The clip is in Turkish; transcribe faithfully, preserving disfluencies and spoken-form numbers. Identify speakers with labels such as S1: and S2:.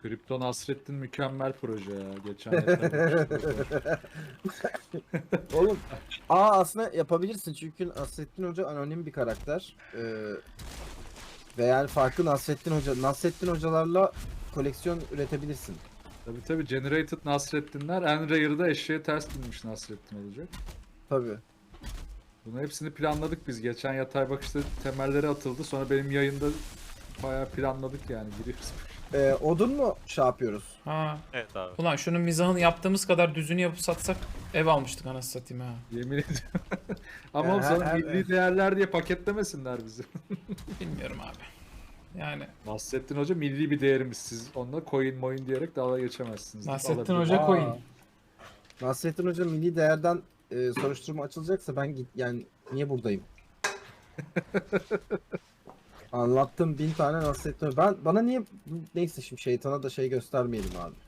S1: Kripto Nasrettin mükemmel proje ya. Geçen yatırmıştım.
S2: Oğlum, aa aslında yapabilirsin çünkü Nasrettin Hoca anonim bir karakter. Ee, ve yani farklı Nasrettin Hoca, Nasrettin Hocalarla koleksiyon üretebilirsin.
S1: Tabii tabii Generated Nasrettinler en rare'da eşeğe ters binmiş Nasrettin olacak.
S2: Tabii.
S1: Bunu hepsini planladık biz. Geçen yatay bakışta temelleri atıldı. Sonra benim yayında bayağı planladık yani. Giriyoruz.
S2: Ee, odun mu şey yapıyoruz?
S3: Ha.
S4: Evet abi.
S3: Ulan şunun mizahını yaptığımız kadar düzünü yapıp satsak ev almıştık anasını satayım ha.
S1: Yemin ediyorum. Ama
S2: Yani
S1: oğlum sana
S2: her-
S1: milli değerler diye paketlemesinler bizi.
S3: Bilmiyorum abi. Yani
S1: Nasrettin Hoca milli bir değerimiz. Siz onunla coin moin diyerek dalga geçemezsiniz.
S3: Nasrettin
S1: Alabilir-
S3: Hoca
S2: Aa.
S3: coin.
S2: Nasrettin Hoca milli değerden e, soruşturma açılacaksa ben git yani niye buradayım? Anlattım bin tane Nasrettin Hoca. Ben bana niye neyse şimdi şeytana da şey göstermeyelim abi.